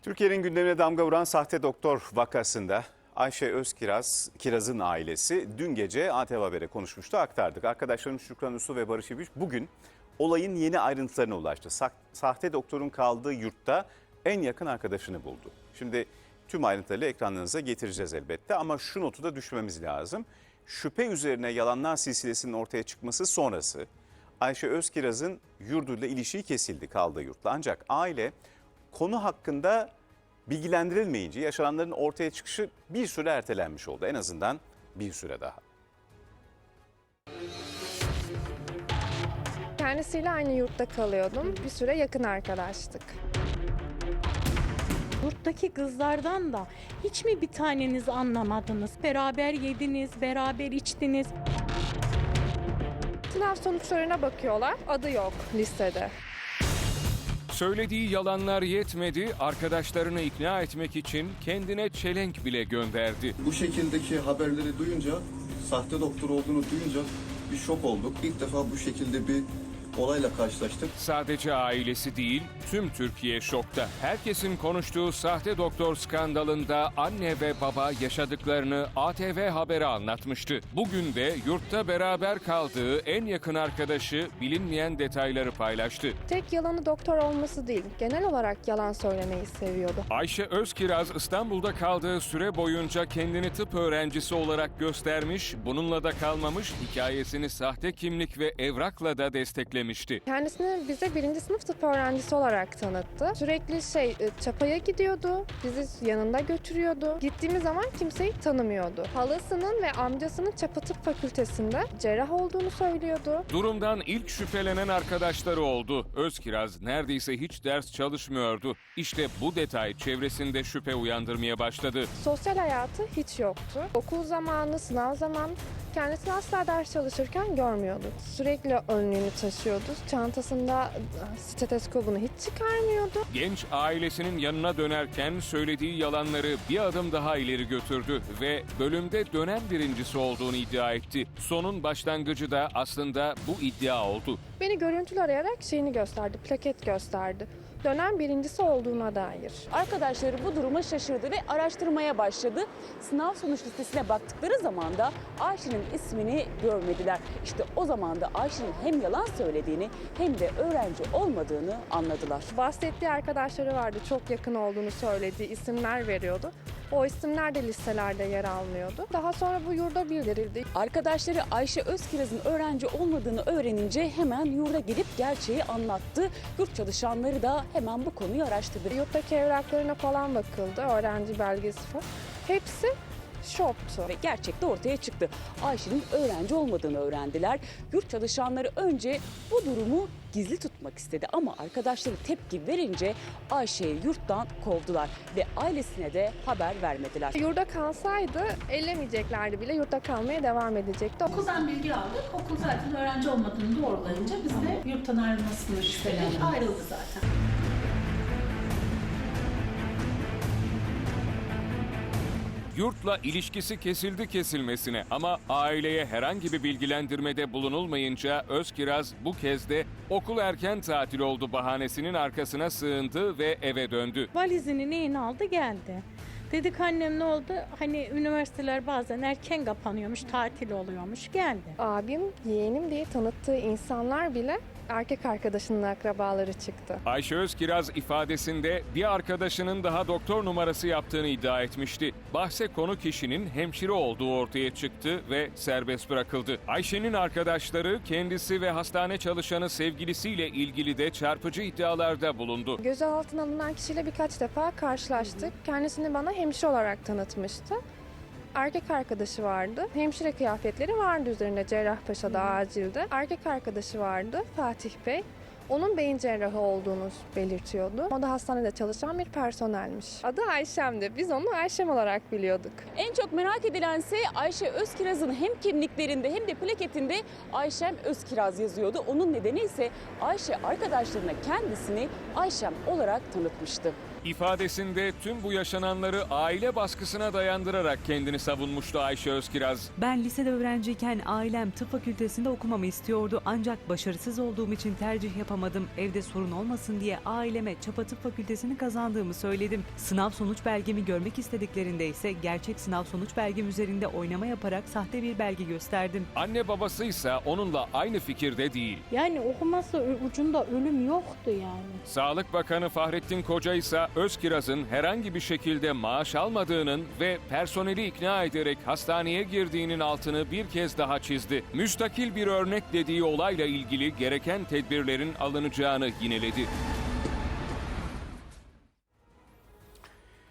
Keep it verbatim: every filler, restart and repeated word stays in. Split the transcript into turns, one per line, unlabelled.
Türkiye'nin gündemine damga vuran sahte doktor vakasında Ayşe Özkiraz, Kiraz'ın ailesi dün gece A T V Haber'e konuşmuştu, aktardık. Arkadaşlarım Şükran Uslu ve Barış İbiş bugün olayın yeni ayrıntılarına ulaştı. Sa- sahte doktorun kaldığı yurtta en yakın arkadaşını buldu. Şimdi tüm ayrıntıları ekranlarınıza getireceğiz elbette ama şu notu da düşmemiz lazım. Şüphe üzerine yalanlar silsilesinin ortaya çıkması sonrası Ayşe Özkiraz'ın yurduyla ilişiği kesildi kaldığı yurtla. Ancak aile konu hakkında bilgilendirilmeyince yaşananların ortaya çıkışı bir süre ertelenmiş oldu. En azından bir süre daha.
Kendisiyle aynı yurtta kalıyordum. Bir süre yakın arkadaştık.
Yurttaki kızlardan da hiç mi bir taneniz anlamadınız? Beraber yediniz, beraber içtiniz.
Sınav sonuçlarına bakıyorlar. Adı yok listede.
Söylediği yalanlar yetmedi, arkadaşlarını ikna etmek için kendine çelenk bile gönderdi.
Bu şekildeki haberleri duyunca, sahte doktor olduğunu duyunca bir şok olduk. İlk defa bu şekilde bir olayla karşılaştık.
Sadece ailesi değil, tüm Türkiye şokta. Herkesin konuştuğu sahte doktor skandalında anne ve baba yaşadıklarını A T V Haber'e anlatmıştı. Bugün de yurtta beraber kaldığı en yakın arkadaşı bilinmeyen detayları paylaştı.
Tek yalanı doktor olması değil, genel olarak yalan söylemeyi seviyordu.
Ayşe Özkiraz İstanbul'da kaldığı süre boyunca kendini tıp öğrencisi olarak göstermiş, bununla da kalmamış, hikayesini sahte kimlik ve evrakla da desteklemişti.
Kendisini bize birinci sınıf tıp öğrencisi olarak tanıttı. Sürekli şey çapaya gidiyordu, bizi yanında götürüyordu. Gittiğimiz zaman kimseyi tanımıyordu. Halasının ve amcasının çapa tıp fakültesinde cerrah olduğunu söylüyordu.
Durumdan ilk şüphelenen arkadaşları oldu. Özkiraz neredeyse hiç ders çalışmıyordu. İşte bu detay çevresinde şüphe uyandırmaya başladı.
Sosyal hayatı hiç yoktu. Okul zamanı, sınav zamanı kendisini asla ders çalışırken görmüyorduk. Sürekli önlüğünü taşıyordu. Çantasında steteskopunu hiç çıkarmıyordu.
Genç ailesinin yanına dönerken söylediği yalanları bir adım daha ileri götürdü ve bölümde dönem birincisi olduğunu iddia etti. Sonun başlangıcı da aslında bu iddia oldu.
Beni görüntülü arayarak şeyini gösterdi, plaket gösterdi. Dönem birincisi olduğuna dair.
Arkadaşları bu duruma şaşırdı ve araştırmaya başladı. Sınav sonuç listesine baktıkları zaman da Ayşe'nin ismini görmediler. İşte o zaman da Ayşe'nin hem yalan söylediğini hem de öğrenci olmadığını anladılar.
Bahsettiği arkadaşları vardı, çok yakın olduğunu söylediği isimler veriyordu. O isimler de listelerde yer almıyordu. Daha sonra bu yurda bildirildi.
Arkadaşları Ayşe Özkiraz'ın öğrenci olmadığını öğrenince hemen yurda gelip gerçeği anlattı. Yurt çalışanları da hemen bu konuyu araştırdı.
Yurttaki evraklarına falan bakıldı, öğrenci belgesi falan. Hepsi şoktu.
Ve gerçek de ortaya çıktı. Ayşe'nin öğrenci olmadığını öğrendiler. Yurt çalışanları önce bu durumu gizli tutmak istedi ama arkadaşları tepki verince Ayşe'yi yurttan kovdular ve ailesine de haber vermediler.
Yurda kalsaydı ellemeyeceklerdi bile, yurtta kalmaya devam edecekti.
Okuldan bilgi aldık. Okul zaten öğrenci olmadığını doğrulayınca biz de yurttan ayrılmasını şüphelendik. Ayrıldı zaten.
Yurtla ilişkisi kesildi kesilmesine ama aileye herhangi bir bilgilendirmede bulunulmayınca Özkiraz bu kez de okul erken tatil oldu bahanesinin arkasına sığındı ve eve döndü.
Valizini neyini aldı geldi. Dedik annem ne oldu? Hani üniversiteler bazen erken kapanıyormuş, tatil oluyormuş. Geldi.
Abim, yeğenim diye tanıttığı insanlar bile erkek arkadaşının akrabaları çıktı.
Ayşe Özkiraz ifadesinde bir arkadaşının daha doktor numarası yaptığını iddia etmişti. Bahse konu kişinin hemşire olduğu ortaya çıktı ve serbest bırakıldı. Ayşe'nin arkadaşları kendisi ve hastane çalışanı sevgilisiyle ilgili de çarpıcı iddialarda bulundu.
Gözaltına alınan kişiyle birkaç defa karşılaştık. Kendisini bana hemşire olarak tanıtmıştı. Erkek arkadaşı vardı. Hemşire kıyafetleri vardı üzerinde, Cerrahpaşa'da, acilde. Erkek arkadaşı vardı, Fatih Bey. Onun beyin cerrahı olduğunu belirtiyordu. O da hastanede çalışan bir personelmiş. Adı Ayşem'di. Biz onu Ayşem olarak biliyorduk.
En çok merak edilense Ayşe Özkiraz'ın hem kimliklerinde hem de plaketinde Ayşem Özkiraz yazıyordu. Onun nedeni ise Ayşe arkadaşlarına kendisini Ayşem olarak tanıtmıştı.
İfadesinde tüm bu yaşananları aile baskısına dayandırarak kendini savunmuştu Ayşe Özkiraz.
Ben lisede öğrenciyken ailem tıp fakültesinde okumamı istiyordu ancak başarısız olduğum için tercih yapamadım. Evde sorun olmasın diye aileme Çapa Tıp Fakültesini kazandığımı söyledim. Sınav sonuç belgemi görmek istediklerinde ise gerçek sınav sonuç belgem üzerinde oynama yaparak sahte bir belge gösterdim.
Anne babası ise onunla aynı fikirde değil.
Yani okuması ucunda ölüm yoktu yani.
Sağlık Bakanı Fahrettin Koca ise Özkiraz'ın herhangi bir şekilde maaş almadığının ve personeli ikna ederek hastaneye girdiğinin altını bir kez daha çizdi. Müstakil bir örnek dediği olayla ilgili gereken tedbirlerin alınacağını yineledi.